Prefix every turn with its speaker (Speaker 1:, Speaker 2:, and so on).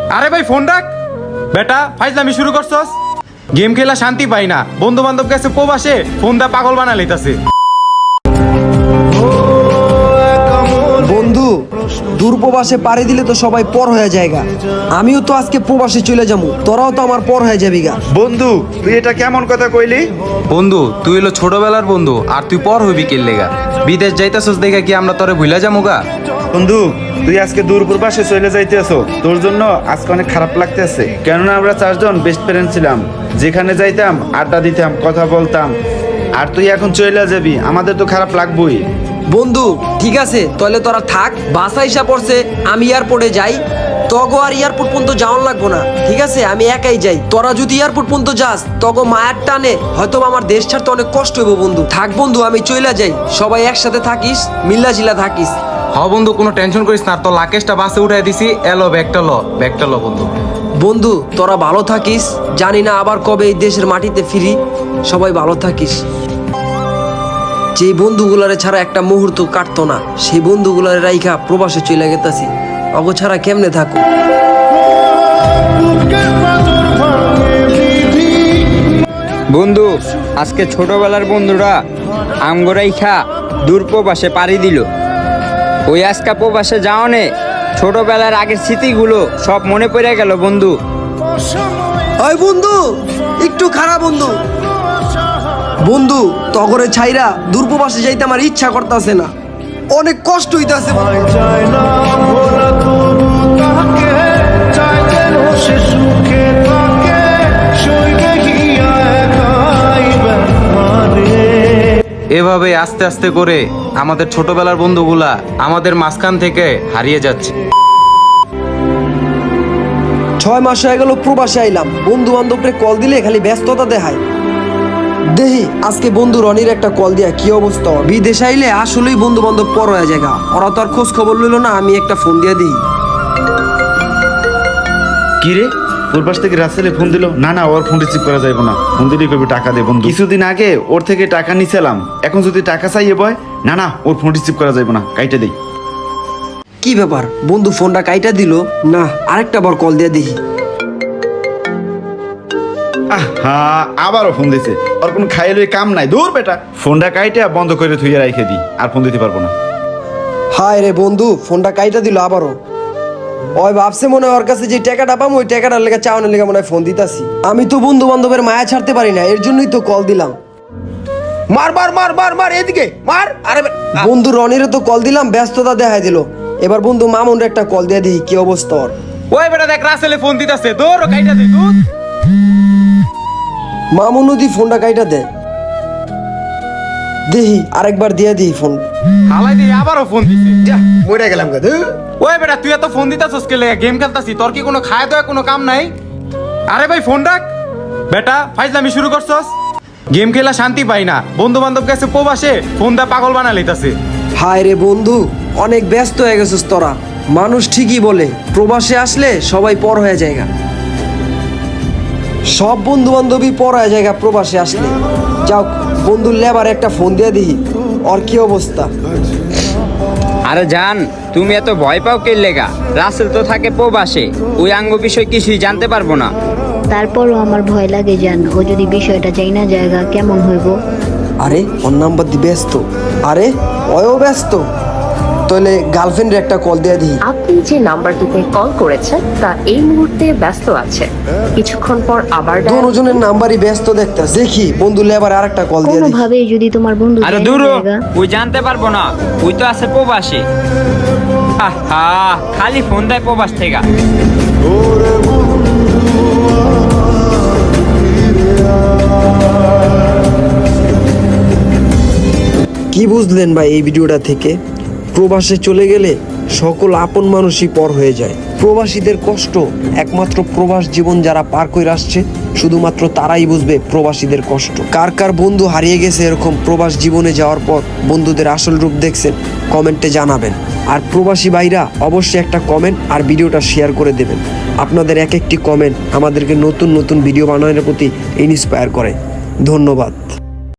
Speaker 1: আরে ভাই ফোন রাখ বেটা, ফাইজলামি শুরু করছস। গেম খেলা শান্তি পাই না, বন্ধু বান্ধব কাছে প্রবাসে ফোন দা পাগল বানা লইতাছে।
Speaker 2: বন্ধু দূর প্রবাসে পাড়ি দিলে তো সবাই পর হয়ে যায়গা। আমিও তো আজকে প্রবাসে চলে যাবো, তোরাও তো আমার পর হয়ে যাবি গা।
Speaker 3: বন্ধু তুই এটা কেমন কথা কইলি?
Speaker 1: বন্ধু তুই হলো ছোটবেলার বন্ধু, আর তুই পর হইবি কে লেগা? বিদেশ যাইতাছস দেখা কি আমরা তোরে ভুলা যামু গা?
Speaker 3: বন্ধু তুই আজকে দূর প্রবাসে চলে যাইতেছ, তোর জন্য আজকে অনেক খারাপ লাগতেছে। কেননা আমরা 4 জন বেস্ট ফ্রেন্ড ছিলাম, যেখানে যাইতাম আড্ডা দিতাম, কথা বলতাম, আর তুই এখন চলে যাবি, আমাদের তো খারাপ লাগবেই।
Speaker 2: বন্ধু ঠিক আছে, তাহলে তোরা থাক, বাসা হিসাব পড়ছে, আমি এয়ারপোর্টে যাই। তগো আর এয়ারপোর্ট পর্যন্ত যাওয়ার লাগবো না, ঠিক আছে? আমি একাই যাই। তোরা যদি এয়ারপোর্ট পর্যন্ত যাস, তগো মায়ের টানে হয়তো আমার দেশ ছাড়তে অনেক কষ্ট হইব। বন্ধু থাক, বন্ধু আমি চলে যাই, সবাই একসাথে থাকিস, মিল্লা জিলা থাকিস।
Speaker 1: হ বন্ধু কোনো টেনশন করিস না, তো লাকেশটা বাসে উঠাই দিছি। এলো ব্যাগটা ল বন্ধু।
Speaker 2: বন্ধু তোরা ভালো থাকিস, জানি না আবার কবে এই দেশের মাটিতে ফিরি। সবাই ভালো থাকিস। যে বন্ধুগুলারে ছাড়া একটা মুহূর্ত কাটতো না, সেই বন্ধুগুলারে রাইখা প্রবাসে চলে গেতাছি। অগো ছাড়া কেমনে থাকো?
Speaker 4: বন্ধু আজকে ছোটবেলার বন্ধুরা আমগোরাইখা দূর প্রবাসে পাড়ি দিল। ওই আজকা প্রবাসে যাওয়ানে ছোটবেলার আগের স্মৃতিগুলো সব মনে পড়ে গেল বন্ধু।
Speaker 2: ওই বন্ধু একটু খারাপ বন্ধু। বন্ধু তগরে ছাইরা দূরপ্রবাসে যাইতে আমার ইচ্ছা করতেছে না, অনেক কষ্ট হইতাছে।
Speaker 1: এভাবে আস্তে আস্তে করে আমাদের ছোটবেলার বন্ধুগুলা আমাদের মাঝখান থেকে হারিয়ে যাচ্ছে।
Speaker 2: 6 মাস হয়ে গেল প্রবাসে আইলাম, বন্ধু বান্ধবরে কল দিলে খালি ব্যস্ততা দেখায়। দেহি আজকে বন্ধু রনির একটা কল দিয়া কি অবস্থা। বিদেশে আইলে আসলেই বন্ধু বান্ধব পর হয়ে যায়, ওরা তো আর খোঁজ খবর লইল না। আমি একটা ফোন দিয়ে দিই।
Speaker 3: কি রে, তোর পাশ থেকে রাসেলে ফোন দিল? না না, ওর ফোন রিসিভ করা যাবে না, ফোন দিলেই কবে টাকা দে। বন্ধু কিছুদিন আগে ওর থেকে টাকা নিছিলাম, এখন যদি টাকা চাইয়ে বয়, না না ওর ফোন রিসিভ করা যাবে না, কাইটে দেই।
Speaker 2: কি ব্যাপার, বন্ধু ফোনটা কাইটা দিল না? আরেকটা বার কল দিয়ে দেখি।
Speaker 3: হ্যাঁ আবারও ফোন দিছে, ওর কোনো খাইয়ে লই কাম নাই। দূর বেটা, ফোনটা কাইটে বন্ধ করে থুইয়ে রাইখে দিই, আর ফোন দিতে পারবো না।
Speaker 2: হায় রে বন্ধু, ফোনটা কাইটা দিল আবারও। ওই ভাবছে মনে হয় ওর কাছে যে টাকাটা পাবো, ওই টাকাটার লেগে চাওয়ানোর লেগে মনে হয় ফোন দিতাছি। আমি তো বন্ধু বান্ধবের মায়া ছাড়তে পারি না, এর জন্যই তো কল দিলাম।
Speaker 5: মার মার মার মার মার, এদিকে মার। আরে
Speaker 2: বন্ধু রনিরে তো কল দিলাম, ব্যস্ততা দেখাই দিল। এবার বন্ধু মামুনের একটা কল দিয়ে দিই, কি অবস্থা ওর।
Speaker 1: ওই বেটা দেখ রাসেলে ফোন দিতাছে, দৌড় কাইটা দে তুই।
Speaker 2: মামুন নদী ফোনটা কাইটা দে দেহি, আরেকবার দিয়ে দিই ফোন।
Speaker 1: হালাই দিয়ে আবারও ফোন দিছে।
Speaker 5: যা মরে গেলাম গা।
Speaker 1: ওই বেটা তুই এত ফোন দিতাছস কে লেগা? গেম খেলতাছি, তোর কি কোনো খায় দয়া কোনো কাম নাই? আরে ভাই ফোন রাখ বেটা, ফাইজলামি শুরু করছস। গেম খেলা শান্তি পাই না, বন্ধু বান্ধব কাছে প্রবাসে ফোন দা পাগল বানা লইতাছে।
Speaker 2: হায় রে বন্ধু, অনেক ব্যস্ত হয়ে গেছিস তোরা। মানুষ ঠিকই বলে প্রবাসে আসলে সবাই পর হয়ে যায়। সব বন্ধু বান্ধবী পর হয়ে যায় প্রবাসে আসলে। যাও বন্ধুর লেবার একটা ফোন দিয়ে দিই, ওর কি অবস্থা।
Speaker 4: আরে জান, তুমি এত ভয় পাও কে লেগা? রাসেল তো থাকে প্রবাসে, ওই আঙ্গ বিষয় কিছুই জানতে পারবো না।
Speaker 6: তারপরও আমার ভয় লাগে জান, ও যদি বিষয়টা চাই না জায়গা কেমন হইব।
Speaker 2: আরে ওর নাম্বার দিয়ে ব্যস্ত। আরে ওও ব্যস্ত, তাহলে গার্লফ্রেন্ডের একটা কল দিয়ে দিই।
Speaker 7: আপনি যে নাম্বারটিতে কল করেছেন তা এই মুহূর্তে ব্যস্ত আছে, কিছুক্ষণ পর আবার
Speaker 2: দুজনের নাম্বারই ব্যস্ত দেখতেছে। দেখি বন্ধু লেবার আরেকটা কল দিয়ে দিই।
Speaker 6: কোনোভাবে যদি তোমার বন্ধু
Speaker 4: আরে
Speaker 6: জানে
Speaker 4: দূর,
Speaker 6: জায়গা।
Speaker 4: ওই জানতে পারবো না, ওই তো আছে প্রবাসে। আহা, খালি ফোন দেয় প্রবাস থেকে।
Speaker 2: কি বুঝলেন ভাই এই ভিডিওটা থেকে? প্রবাসে চলে গেলে সকল আপন মানুষই পর হয়ে যায়। প্রবাসীদের কষ্ট একমাত্র প্রবাস জীবন যারা পার করে আসছে শুধুমাত্র তারাই বুঝবে প্রবাসীদের কষ্ট। কার কার বন্ধু হারিয়ে গেছে এরকম প্রবাস জীবনে যাওয়ার পর বন্ধুদের আসল রূপ দেখছেন, কমেন্টে জানাবেন। আর প্রবাসী ভাইরা অবশ্যই একটা কমেন্ট আর ভিডিওটা শেয়ার করে দেবেন। আপনাদের এক একটি কমেন্ট আমাদেরকে নতুন নতুন ভিডিও বানানোর প্রতি ইন্সপায়ার করে। ধন্যবাদ।